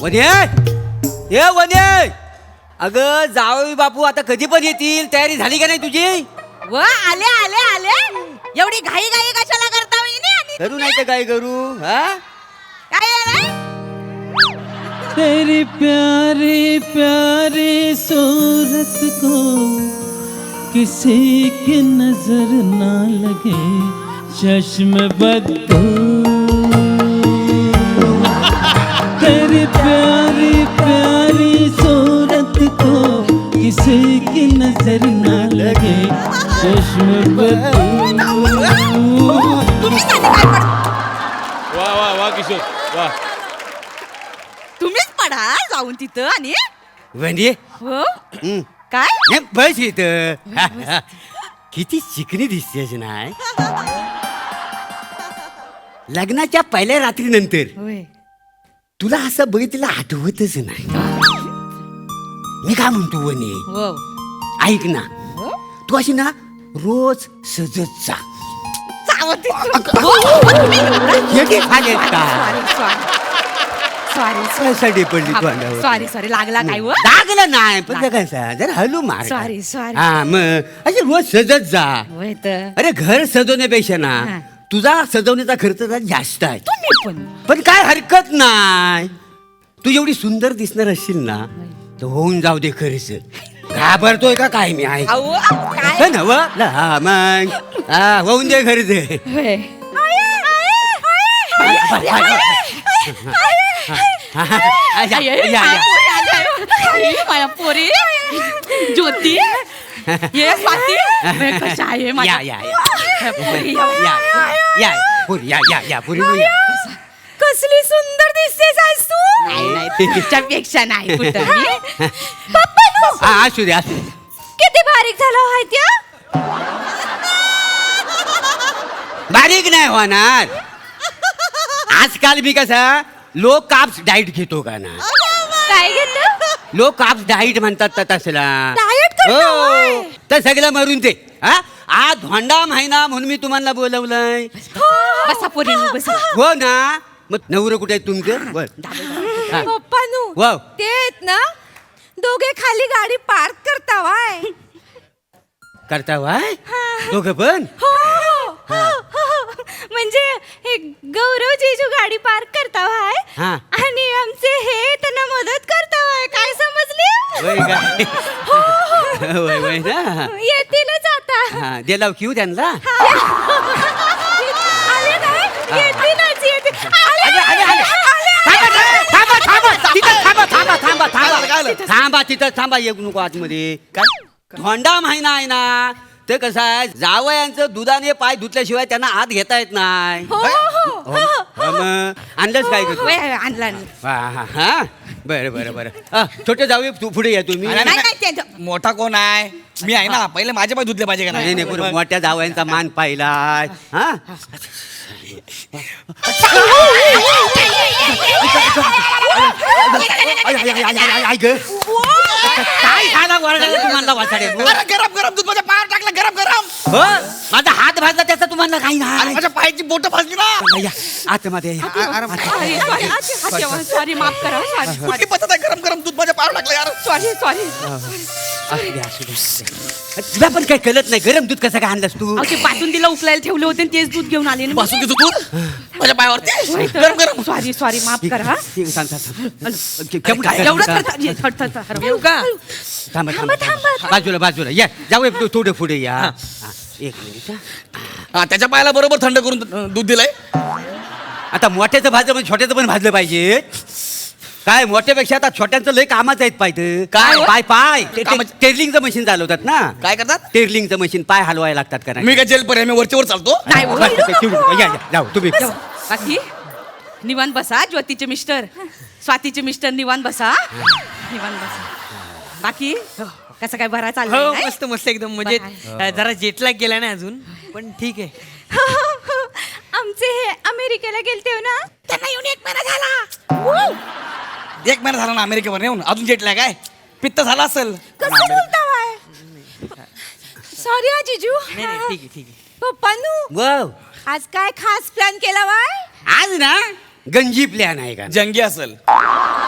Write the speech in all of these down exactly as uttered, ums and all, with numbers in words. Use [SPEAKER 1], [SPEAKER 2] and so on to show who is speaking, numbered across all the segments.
[SPEAKER 1] वने ये वने अगं जावई बापू आता कधी पण येतील. तयारी झाली का नाही तुझी?
[SPEAKER 2] व आले आले आले एवढी घाई घाई कशाला करता वहिनी? आणि
[SPEAKER 1] करू नाही तर काय करू? हा
[SPEAKER 2] काय आहे?
[SPEAKER 3] तेरी प्यारी प्यारी सूरत को किसी की नजर ना लगे चश्म बद्दू. तेरी प्यारी प्यारी सूरत को किसी की नजर ना लगे चश्म बद्दू.
[SPEAKER 2] तुम्हीच आले काय पड
[SPEAKER 4] वा वा वा किशोर वा.
[SPEAKER 2] तुम्हीच पडा जाऊन तिथं. आणि
[SPEAKER 1] वने
[SPEAKER 2] हो
[SPEAKER 1] हं.
[SPEAKER 2] काय
[SPEAKER 1] नाही, बस इथं. किती चिकनी दिसतेस नाही. लग्नाच्या पहिल्या रात्रीनंतर
[SPEAKER 2] होय
[SPEAKER 1] तुला असं बघितलं आठवतच नाही. मी काय म्हणतो वने,
[SPEAKER 2] हो
[SPEAKER 1] ऐक ना,
[SPEAKER 2] हो
[SPEAKER 1] तू अशी ना रोज सजत जा.
[SPEAKER 2] चावत
[SPEAKER 1] हे घे खाली का?
[SPEAKER 2] सॉरी
[SPEAKER 1] कशासाठी पडली तू अंगावर?
[SPEAKER 2] सॉरी सॉरी लागला काय व
[SPEAKER 1] लागलं नाही पण ते कसं जरा हलू मार.
[SPEAKER 2] Sorry, sorry.
[SPEAKER 1] हा मग अशी रोज सजत जा.
[SPEAKER 2] होय तर
[SPEAKER 1] अरे घर सजवण्यापेक्षा ना
[SPEAKER 2] हा.
[SPEAKER 1] तुझा सजवण्याचा खर्च जरा जास्त आहे.
[SPEAKER 2] तुम्ही पण
[SPEAKER 1] पण काय हरकत नाही. तू एवढी सुंदर दिसणार असशील ना तर होऊन जाऊ दे खर्च. घाबरतोय का काय मी आहे
[SPEAKER 2] अहो काय
[SPEAKER 1] ना व हा मग हा होऊन दे खर्च.
[SPEAKER 2] होय
[SPEAKER 1] या, या, या.
[SPEAKER 2] माझ्या पोरी ज्योती ये स्वाती बे, कशा आहे
[SPEAKER 1] या
[SPEAKER 2] माझ्या
[SPEAKER 1] या या
[SPEAKER 2] पोरी,
[SPEAKER 1] या या पुरी या या या पुरी या.
[SPEAKER 2] कसली सुंदर दिसतेस आज तू. नाही नाही तुझ्यापेक्षा नाही कुठं मी.
[SPEAKER 1] हा असू दे असू दे.
[SPEAKER 2] किती बारीक झाला आहे त्या.
[SPEAKER 1] बारीक नाही होणार. आजकाल मी कसा लो कार्ब्स डाएट घेतो का ना.
[SPEAKER 2] काय घेत
[SPEAKER 1] लो कार्ब्स डाएट म्हणतात तर तसला.
[SPEAKER 2] डाएट करता होय?
[SPEAKER 1] तर सगळं मरून ते हा आज धोंडा महिना म्हणून मी तुम्हाला बोलवलंय.
[SPEAKER 2] बसा पोरी बसा.
[SPEAKER 1] हो ना मग नवरं कुठे आहे तुमचं? बर हा.
[SPEAKER 2] पप्पानू
[SPEAKER 1] वाव.
[SPEAKER 2] ते आहेत ना दोघे खाली गाडी पार्क करता वाय.
[SPEAKER 1] करता वाय दोघं पण.
[SPEAKER 2] हो हो, हो, हो. म्हणजे हे गौरव जीजू गाडी पार्क करता वाय
[SPEAKER 1] हा.
[SPEAKER 2] आणि आमचे हे त्यांना मदत करता वाय. काय समजले?
[SPEAKER 1] वय काय
[SPEAKER 2] हो, हो.
[SPEAKER 1] वय वय ना.
[SPEAKER 2] येतीलच आता.
[SPEAKER 1] हा दिलाव क्यू त्यांना.
[SPEAKER 2] आले काय? येतीलच येतील. आले,
[SPEAKER 1] आले, आले, आले.
[SPEAKER 2] आले, आले.
[SPEAKER 1] थांबा थांबा तिथं थांबा थांबा थांबा
[SPEAKER 4] काय झालं, काय
[SPEAKER 1] थांबा
[SPEAKER 4] झालं?
[SPEAKER 1] थांबा तिथं थांबा येऊ नको आतमध्ये. काय धोंडा महिना आहे ना ते कसं आहे जावयांचं दुधाने पाय धुतल्याशिवाय त्यांना आत घेता येत नाही.
[SPEAKER 2] हो हो हो
[SPEAKER 1] हा, मग आणलंच काय का तू?
[SPEAKER 2] वय, आणला आणला.
[SPEAKER 1] हा हा हा बरं बरं बरं हा, छोटे जाऊ तू पुढे या तुम्ही.
[SPEAKER 4] अरे,
[SPEAKER 2] नाही नाही त्यांचं
[SPEAKER 4] मोठा कोण आहे? मी आहे ना. पहिले माझे पाय धुतले पाहिजे का
[SPEAKER 1] नाही नाही पुढे मोठ्या जावयांचा मान पाहिलाय. हा आई ग काय झाला वरडायला तुम्हाला वाचाडे.
[SPEAKER 4] अरे गरम गरम दूध माझ्या पायावर टाकलं. गरम गरम.
[SPEAKER 1] हो माझा हात भाजला त्याचा तुम्हाला काही
[SPEAKER 4] अरे
[SPEAKER 1] नाही.
[SPEAKER 4] माझ्या पायाची बोट भाजली ना.
[SPEAKER 1] या, आतमध्ये या.
[SPEAKER 2] सॉरी सॉरी सॉरी माफ करा. सॉरी
[SPEAKER 4] कुठली पद्धत आहे? गरम गरम दूध माझ्या पायावर टाकलं यार.
[SPEAKER 2] Sorry sorry.
[SPEAKER 1] असू दे, असू दे, असू दे. तुला पण काही कळत नाही गरम दूध कसं काय आणलंस तू?
[SPEAKER 2] अहो ते बासुंदीला उकलायला ठेवले होते आणि तेच दूध घेऊन आले ना.
[SPEAKER 4] पासून तुझं दूध माझ्या पायावरती. गरम गरम.
[SPEAKER 2] सॉरी सॉरी माफ करा. हा.
[SPEAKER 1] ठीक आहे, थांब, थांब, थांब. केवढं
[SPEAKER 4] काय?
[SPEAKER 2] एवढं
[SPEAKER 1] थांब,
[SPEAKER 2] करता ये, थड, थड, थड.
[SPEAKER 4] येऊ का?
[SPEAKER 1] थांबा,
[SPEAKER 2] थांबा,
[SPEAKER 1] थांबा,
[SPEAKER 2] थांबा.
[SPEAKER 1] बाजूला बाजूला या जाऊ तू थोडं पुढे या. हा, एक मिनिट हा.
[SPEAKER 4] हा त्याच्या पायाला बरोबर थंड करून अं, दूध दिलंय.
[SPEAKER 1] आता मोठ्याचं भाजलं म्हणजे छोट्याचं पण भाजलं पाहिजे. काय मोठ्यापेक्षा आता छोट्यांचं लय कामाचं आहेत पाहिजे.
[SPEAKER 4] काय?
[SPEAKER 1] पाय पाय ते- ते
[SPEAKER 4] कामाचं-
[SPEAKER 1] टेरलिंगचं मशीन चालवतात ना.
[SPEAKER 4] काय करतात?
[SPEAKER 1] टेरलिंगचं मशीन पाय हलवायला लागतात का नाही?
[SPEAKER 4] मी काय जेल पर्याय मी वरच्यावर चालतो.
[SPEAKER 2] नाही हो.
[SPEAKER 1] बस, ते ठेवू. या या जाऊ तुम्ही.
[SPEAKER 2] बाकी निवांत बसा. ज्योतीचे मिस्टर स्वातीचे मिस्टर निवांत बसा. निवांत बसा. बाकी कसं काय बरा
[SPEAKER 5] हो
[SPEAKER 2] चाललं
[SPEAKER 5] मस्त मस्त एकदम म्हणजे
[SPEAKER 2] बरं
[SPEAKER 5] जरा जेटलॅग गेला नाही अजून पण ठीक आहे.
[SPEAKER 2] आमचे हे अमेरिकेला गेलते ना त्यांना येऊन एक महिना झाला.
[SPEAKER 4] एक महिना झाला ना अमेरिकेवर येऊन. अजून जेटलॅग काय पित्त झाला असेल.
[SPEAKER 2] कसं बोलता वाय? सॉरी हा जिजू.
[SPEAKER 5] नाही नाही ठीक आहे ठीक आहे.
[SPEAKER 2] पप्पानू
[SPEAKER 1] वाव
[SPEAKER 2] आज काय खास प्लॅन केला वाय?
[SPEAKER 1] आज ना गंजी प्लॅन आहे का?
[SPEAKER 4] जंगी असेल.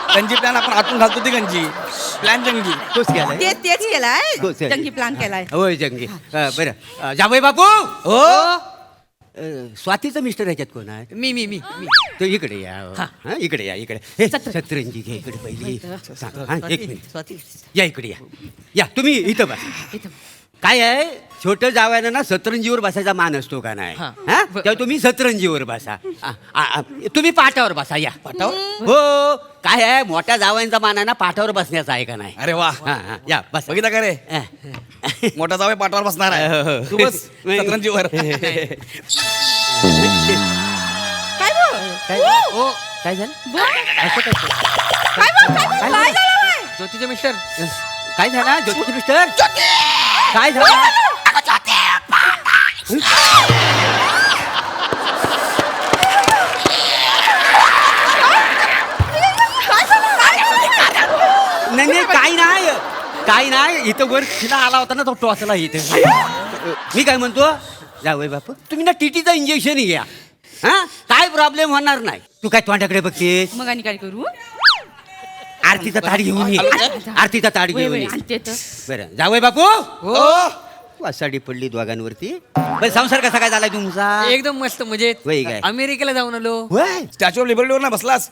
[SPEAKER 4] गंजी प्लॅन आपण आतून घालतो ती गंजी प्लॅन जंगी.
[SPEAKER 1] तोच केलाय
[SPEAKER 2] तेच तेच केलाय
[SPEAKER 1] तोच केलाय.
[SPEAKER 2] जंगी प्लॅन केलाय
[SPEAKER 1] होय जंगी अ, बरं अ, जावई बापू
[SPEAKER 4] हो
[SPEAKER 1] अ, स्वातीचं मिस्टर ह्याच्यात कोण आहे
[SPEAKER 5] मी मी मी मी
[SPEAKER 1] तो इकडे या हा, इकडे या इकडे हे, सतरंजी घे इकडे पहिली सांग, हा, एक मिनिट
[SPEAKER 5] स्वाती
[SPEAKER 1] या इकडे या या तुम्ही इथं बसा
[SPEAKER 2] इथं.
[SPEAKER 1] काय आहे छोटं जावयानं ना सतरंजीवर बसायचा मान असतो का नाही
[SPEAKER 5] हा.
[SPEAKER 1] हा तेव्हा तुम्ही सतरंजीवर बसा आ, आ, आ, तुम्ही पाटावर बसा या पाटावर हो काय आहे मोठ्या जावयांचा मान आहे ना पाटावर बसण्याचा आहे का नाही
[SPEAKER 4] अरे वा
[SPEAKER 1] हा, हा, या बस
[SPEAKER 4] बघितलं का रे मोठा जावे पाठावर बसणार आहे तू बस सतरंजीवर.
[SPEAKER 2] काय बोल
[SPEAKER 1] काय
[SPEAKER 5] ओ
[SPEAKER 1] काय झालं
[SPEAKER 2] बोल.
[SPEAKER 1] असं काय
[SPEAKER 2] काय बोल काय बोल काय झालं बाय?
[SPEAKER 5] ज्योतीचे मिस्टर
[SPEAKER 1] काय झालं ज्योती मिस्टर काय झालं नाही नाही काही नाही काही नाही इथं वर तिला आला होता ना तो टॉसला इथे मी काय म्हणतो जावई बापू तुम्ही ना टीटीचं इंजेक्शन घ्या हा काय प्रॉब्लेम होणार नाही तू काय तोंडाकडे बघते
[SPEAKER 2] मग आणि काय करू
[SPEAKER 1] आरतीचा ताट घेऊन ये आरतीचा ताट
[SPEAKER 2] वय,
[SPEAKER 1] घेऊन
[SPEAKER 2] वय,
[SPEAKER 1] ये
[SPEAKER 2] आणते तर.
[SPEAKER 1] बरं जावई बापू
[SPEAKER 4] हो
[SPEAKER 1] वासाडी पडली दोघांवरती पण संसार कसा काय झालाय तुमचा
[SPEAKER 5] एकदम मस्त म्हणजे
[SPEAKER 1] वय काय?
[SPEAKER 5] अमेरिकेला जाऊन आलो
[SPEAKER 1] होय
[SPEAKER 4] स्टॅच्यू ऑफ लिबर्टीवर ना बसलास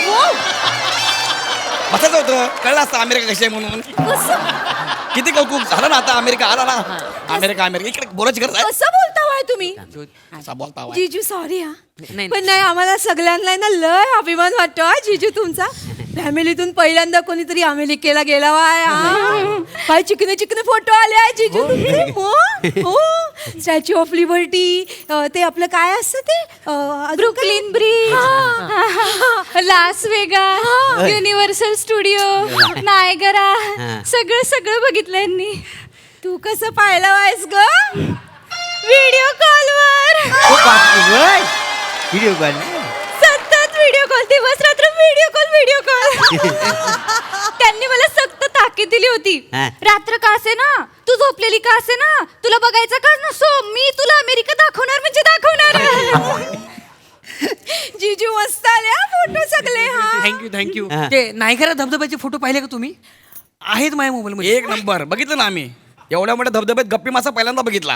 [SPEAKER 4] बसायचं होतं कळलं असतं अमेरिका कशी आहे म्हणून किती कौतुक झालं ना आता अमेरिका आला ना अमेरिका अमेरिका इकडे बोलायची गरज आहे
[SPEAKER 6] कसं बोलता वाय तुम्ही
[SPEAKER 4] असा बोलता वाय.
[SPEAKER 6] जीजू सॉरी हा
[SPEAKER 5] नाही.
[SPEAKER 6] पण नाही आम्हाला सगळ्यांना ना लय अभिमान वाटतो हा जीजू तुमचा फॅमिलीतून पहिल्यांदा कोणीतरी अमेरिकेला गेला वाय हा. काय चिकने चिकने फोटो आले आहे जीजू तुमचे हो हो स्टॅच्यू ऑफ लिबर्टी ते आपलं काय असतं ते Brooklyn Bridge Las Vegas Universal Studio Niagara सगळं सगळं बघितलं यांनी तू कसं पाहिलं वायस ग व्हिडिओ कॉलवर
[SPEAKER 1] व्हिडिओ कॉल
[SPEAKER 6] सतत व्हिडिओ कॉल दिवस रात्र व्हिडिओ कॉल व्हिडिओ कॉल त्यांनी मला सक्त ताकीद दिली होती
[SPEAKER 1] हा.
[SPEAKER 6] रात्र का असे ना तू झोपलेली का असे ना तुला बघायचं का नसो मी तुला अमेरिका दाखवणार म्हणजे दाखवणार जीजू मस्त आले फोटो सगळे हा
[SPEAKER 5] थँक्यू थँक्यू
[SPEAKER 1] हा.
[SPEAKER 5] ते नायगरा धबधब्याचे फोटो पाहिले का तुम्ही आहेत माझ्या मोबाईल मध्ये
[SPEAKER 4] एक नंबर बघितलं ना आम्ही एवढ्या मोठ्या धबधब्यात गप्पी मासा पहिल्यांदा बघितला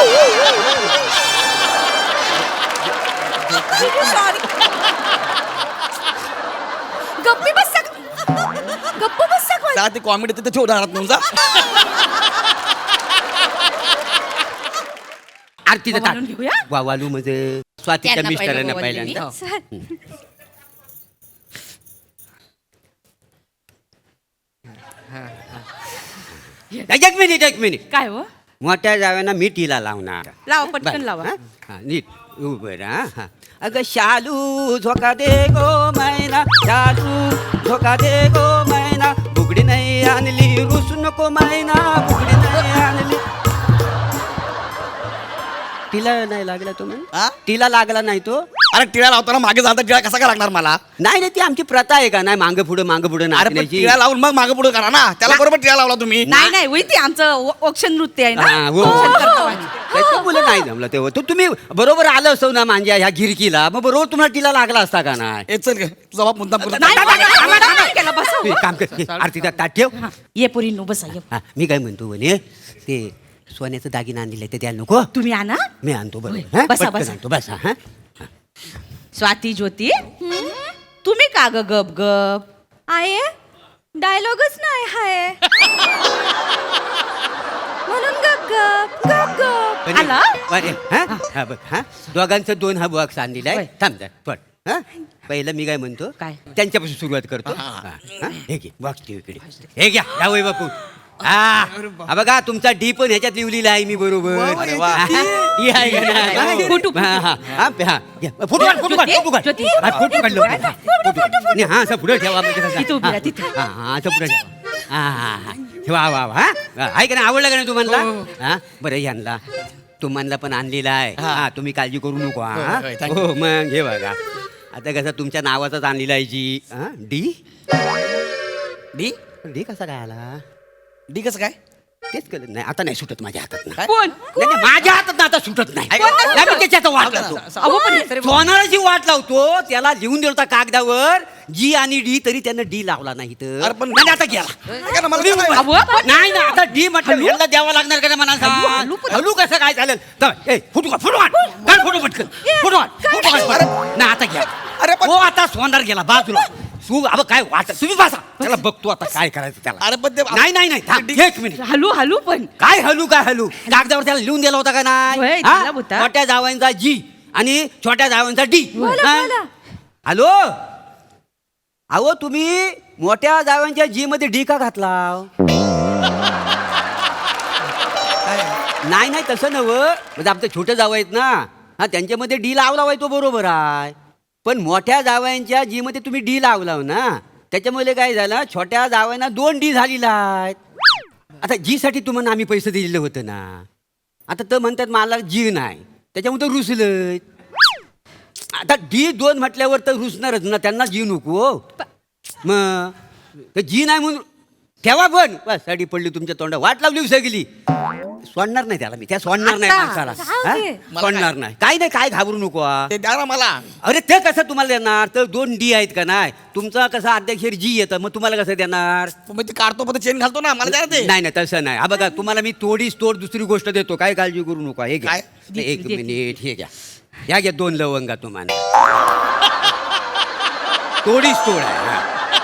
[SPEAKER 6] सॉरी गप्पी बस गप्प बस
[SPEAKER 4] त्या ती कॉमेडी तिथे ठेव उदाहरणात तुमचा
[SPEAKER 1] आरतीचं
[SPEAKER 2] वालून
[SPEAKER 1] ताट
[SPEAKER 2] घेऊया?
[SPEAKER 1] वा वालू म्हणजे स्वातीच्या
[SPEAKER 2] त्यांना
[SPEAKER 1] मिस्टरांना
[SPEAKER 2] पहिलं
[SPEAKER 1] पहिल्यांदा
[SPEAKER 2] वालू
[SPEAKER 1] एक मिनिट एक मिनिट
[SPEAKER 2] काय हो
[SPEAKER 1] मोठ्या जाव्यांना मी टीला लावणार
[SPEAKER 2] लावा पटकन
[SPEAKER 1] बरं,
[SPEAKER 2] लावा
[SPEAKER 1] हा? हा, नीट उभं राहा हा. अगं शालू झोका दे गो मैना शालू झोका दे गो मैना बुगडी नाही आणली रुसू नको मैना बुगडी नाही आणली तिला नाही लागला तो म्हण
[SPEAKER 4] हा?
[SPEAKER 1] तिला लागला नाही तो
[SPEAKER 4] अरे टिळा लावताना मागे जाता टिळा कसा काय लागणार मला
[SPEAKER 1] नाही नाही ती आमची प्रथा आहे का नाही मागं पुढं मागं पुढं
[SPEAKER 4] अरे पण
[SPEAKER 1] नाचण्याची
[SPEAKER 4] टिळा लावून मग मागे पुढे करा ना त्याला बरोबर टिळा लावला तुम्ही
[SPEAKER 2] नाही नाही होई ते आमचं औक्षण नृत्य आहे
[SPEAKER 1] हा,
[SPEAKER 2] ना
[SPEAKER 1] हो.
[SPEAKER 2] औक्षण कर्तव्याचं.
[SPEAKER 1] त्याचं मुलं नाही जमलं तेव्हा तो तुम्ही बरोबर आलं असतो ना मांज्या ह्या गिरकीला मग बरोबर तुम्हाला तिला लागला असता का नाही
[SPEAKER 4] ए चल ग, तुझा बाप मुद्दाम करतो.
[SPEAKER 2] नाही, नाही, नाही, आम्हाला नाही केलं, बसा हो.
[SPEAKER 1] तू एक काम कर आरतीचा ताट ठेव
[SPEAKER 2] हा, ये पोरी नो बसा ये
[SPEAKER 1] हा, मी काय म्हणतो म्हणे ते सोन्याचं दागिना आणलेलं आहे ते द्यायला नको
[SPEAKER 2] तुम्ही आणा
[SPEAKER 1] मी आणतो बरं
[SPEAKER 2] होय.
[SPEAKER 1] हा?
[SPEAKER 2] बसा,
[SPEAKER 1] पटकन
[SPEAKER 2] बसा.
[SPEAKER 1] आणतो बसा हा
[SPEAKER 2] स्वाती ज्योती तुम्ही का ग गप गप
[SPEAKER 6] आहे डायलॉगच नाही हाय म्हणून गप गप गप गप
[SPEAKER 1] पण-
[SPEAKER 2] आला?
[SPEAKER 1] अरे, हा? हा, बघ, हा? दोघांचं दोन हा बॉक्स आणलेला आहे
[SPEAKER 2] होय.
[SPEAKER 1] थांब जा पण हा पहिलं मी काय म्हणतो
[SPEAKER 2] काय?
[SPEAKER 1] त्यांच्यापासून सुरुवात करतो हा, हा? हे घे बॉक्स ठेव इकडे हे घ्या जावई बापू हा हा बघा तुमचा डी पण ह्याच्यात लिहिलेला आहे मी बरोबर
[SPEAKER 4] अरे वा.
[SPEAKER 1] हा, ही आहे का नाही?
[SPEAKER 2] फोटो,
[SPEAKER 1] हा, हा, हा, हा, घ्या. फोटो काढ, फोटो काढ, फोटो काढ.
[SPEAKER 2] ज्योती,
[SPEAKER 1] हा, फोटो काढ लवकर. फोटो. आणि हा असं पुढे ठेवा म्हणजे कसं?
[SPEAKER 2] तिथं उभी राहा,
[SPEAKER 1] हा,
[SPEAKER 2] तिथं.
[SPEAKER 1] हा हा असं पुढे ठेवा हा हा हा ठेवा वा वा हा आहे का नाही आवडलं का नाही तुम्हाला हा बरं यांना तुम्हाला पण आणलेला आहे हा तुम्ही काळजी करू नको हा
[SPEAKER 4] होय, होय, thank you.
[SPEAKER 1] हो मग हे बघा आता कसं तुमच्या नावाचाच आणलेला आहे जी हा डी
[SPEAKER 4] डी
[SPEAKER 1] डी कसा काय आला
[SPEAKER 4] डी कसं काय
[SPEAKER 1] तेच कळलं नाही आता नाही सुटत माझ्या हातात ना
[SPEAKER 2] कोण
[SPEAKER 1] नाही, नाही, माझ्या हातात ना आता सुटत नाही नाही, मी त्याच्यात वाट लावतो
[SPEAKER 2] अहो पण
[SPEAKER 1] सोनाराची वाट लावतो त्याला लिहून दिलं होता कागदावर जी आणि डी तरी त्यानं डी लावला नाही तर
[SPEAKER 4] अरे पण-
[SPEAKER 1] नाही, आता गेला
[SPEAKER 4] ऐका ना, मला काय माहिती?
[SPEAKER 2] अहो, पण-
[SPEAKER 1] नाही ना आता डी म्हटलं याला द्यावं लागणार का मला सांग हलू कसं काय चालेल तर, ए, फुटू काढ, फुटू काढ. काढ फोटो पटकन फोटो काढ, फोटो काढ.
[SPEAKER 4] अरे,
[SPEAKER 1] नाही आता घ्या
[SPEAKER 4] अरे, पण-
[SPEAKER 1] हो आता सोनार गेला बाजूला तू अब काय वाटत तुम्ही बसा त्याला बघतो आता काय करायचं त्याला
[SPEAKER 4] अरे पण ते
[SPEAKER 1] नाही नाही नाही थांब, एक मिनिट
[SPEAKER 2] हलू हलू पण
[SPEAKER 1] काय हलू काय हलू कागदावर त्याला लिहून दिला होता का
[SPEAKER 2] होय,
[SPEAKER 1] नाही
[SPEAKER 2] दिला
[SPEAKER 1] हा?
[SPEAKER 2] होता.
[SPEAKER 1] मोठ्या जावांचा जी आणि छोट्या जावांचा डी
[SPEAKER 6] बोला,
[SPEAKER 1] हा?
[SPEAKER 6] बोला.
[SPEAKER 1] हॅलो अहो तुम्ही मोठ्या जावांच्या जी मध्ये डी का घातला नाही नाही तसं नवं म्हणजे आमचं छोटे जावं आहेत ना हा त्यांच्यामध्ये डी लावला आहे तो बरोबर आहे पण मोठ्या जावयांच्या जी मध्ये तुम्ही डी लावला ना त्याच्यामुळे काय झालं छोट्या जावयांना दोन डी झालेला आहेत आता जी साठी तुम्हाला आम्ही पैसे दिलेलं होतं ना आता तर म्हणतात मला जी नाही त्याच्यामुळे रुसलं आता डी दोन म्हटल्यावर तर रुसणारच ना त्यांना जी नको मग ते जी नाही म्हणून ठेवा पण बस साडी पडली तुमच्या तोंडा वाट लावली सगळी सोडणार नाही त्याला मी त्या सोडणार नाही
[SPEAKER 2] आता?
[SPEAKER 1] माणसाला
[SPEAKER 6] जाऊ
[SPEAKER 1] हा?
[SPEAKER 6] दे.
[SPEAKER 1] सोडणार नाही काही नाही काय घाबरू नको हा.
[SPEAKER 4] ते द्या ना मला
[SPEAKER 1] अरे ते कसं तुम्हाला देणार तर दोन डी आहेत का नाही तुमचा कसा अध्यक्षर जी येतं मग तुम्हाला कसं देणार
[SPEAKER 4] मग ते काढतो पण चेन घालतो ना मला द्या ना ते
[SPEAKER 1] नाही नाही तसं नाही हा बघा तुम्हाला मी तोडीस तोड दुसरी गोष्ट देतो काय काळजी करू नका हे घ्या
[SPEAKER 4] काय?
[SPEAKER 1] एक मिनिट हे घ्या ह्या घ्या दोन लवंगा तुम्हाला तोडीस तोड आहे हा.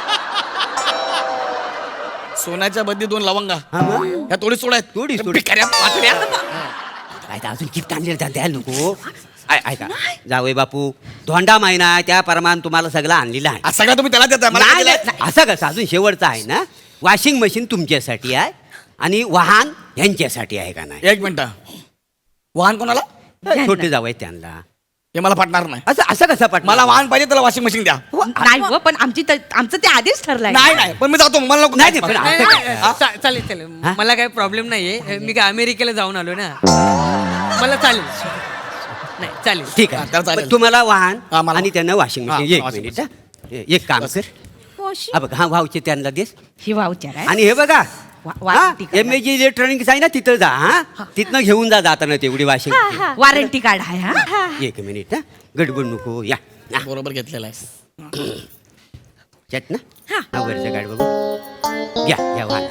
[SPEAKER 4] सोन्याच्या बदली दोन लवंगा
[SPEAKER 1] हा मग?
[SPEAKER 4] ह्या थोडी सोड आहेत
[SPEAKER 1] थोडी सोड.
[SPEAKER 4] भिकाऱ्या, पातळ्या.
[SPEAKER 1] काय तर अजून गिफ्ट आणले त्याला द्यायला नको आय- ऐका जावई बापू धोंडा महिना आहे त्या प्रमाण तुम्हाला सगळं आणलेलं आहे
[SPEAKER 4] आज सगळं तुम्ही त्याला देता मला
[SPEAKER 1] नाही,
[SPEAKER 4] काय
[SPEAKER 1] नाही,
[SPEAKER 4] दिलंय?
[SPEAKER 1] असं कसं अजून शेवटचं आहे ना वॉशिंग मशीन तुमच्यासाठी आहे आणि वाहन यांच्यासाठी आहे का नाही
[SPEAKER 4] एक मिनिट वाहन कोणाला
[SPEAKER 1] छोटे जावई त्यांना
[SPEAKER 4] हे मला पटणार नाही
[SPEAKER 1] असं असं कसं पट
[SPEAKER 4] मला वाहन पाहिजे त्याला वॉशिंग मशीन द्या
[SPEAKER 2] नाही हो पण आमची त- आमचं ते आधीच ठरलंय
[SPEAKER 4] नाही नाही पण मी जातो मला नको
[SPEAKER 1] नाही, नाही, पण
[SPEAKER 5] नाही,
[SPEAKER 1] असं
[SPEAKER 5] नाही,
[SPEAKER 1] काय?
[SPEAKER 5] नाही, चा- चालेल चालेल
[SPEAKER 1] हा?
[SPEAKER 5] मला काही प्रॉब्लेम नाहीये मी काय अमेरिकेला जाऊन आलो ना मला चालेल नाही चालेल
[SPEAKER 1] ठीक
[SPEAKER 4] हा, त्याला
[SPEAKER 1] आहे
[SPEAKER 4] चालेल.
[SPEAKER 1] पण तुम्हाला वाहन
[SPEAKER 4] हा, मला-
[SPEAKER 1] आणि त्यांना वॉशिंग
[SPEAKER 4] हा,
[SPEAKER 1] मशीन एक
[SPEAKER 4] washing
[SPEAKER 1] मिनिट हा. एक काम कर
[SPEAKER 6] वॉशिंग
[SPEAKER 1] हा बघ हा भाऊचे त्यांना देस
[SPEAKER 2] ही वावचार आहे
[SPEAKER 1] आणि हे बघा
[SPEAKER 2] वा- warranty card.
[SPEAKER 1] M A G electronics आहे ना तिथं जा हा तिथनं घेऊन जा जाताना तेवढी वॉशिंग मशीन
[SPEAKER 2] वॉरंटी कार्ड आहे हा
[SPEAKER 1] एक मिनिट हा गडबड नको या हा.
[SPEAKER 4] बरोबर घेतलेला आहे
[SPEAKER 1] चट ना हा वरचं गाड बघू या या वाहन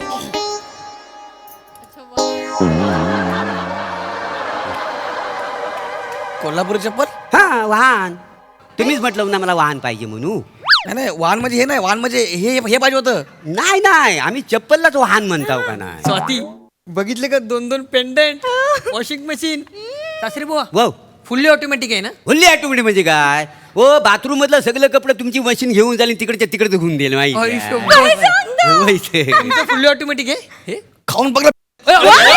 [SPEAKER 4] कोल्हापूर चप्पल
[SPEAKER 1] हा वाहन तुम्हीच म्हटलं ना मला वाहन पाहिजे म्हणून
[SPEAKER 4] नाही नाही वाहन म्हणजे हे नाही वाहन म्हणजे हे हे पाहिजे होतं
[SPEAKER 1] नाही नाही आम्ही चप्पललाच वाहन म्हणताव का नाही
[SPEAKER 5] स्वाती बघितले का दोन दोन पेंडंट वॉशिंग मशीन सासरी बुवा
[SPEAKER 1] वाव
[SPEAKER 5] फुल्ली ऑटोमॅटिक आहे ना
[SPEAKER 1] फुल्ली ऑटोमॅटिक म्हणजे काय ओ बाथरूम मधलं सगळं कपडे तुमची मशीन घेऊन झाली तिकडच्या तिकडे धुवून देईल
[SPEAKER 5] आई
[SPEAKER 1] माहिती
[SPEAKER 5] शोभा.
[SPEAKER 1] आहे? माहिती आहे.
[SPEAKER 5] तुमचं फुल्ली ऑटोमॅटिक आहे हे
[SPEAKER 4] खाऊन बघलं
[SPEAKER 5] अय, अय,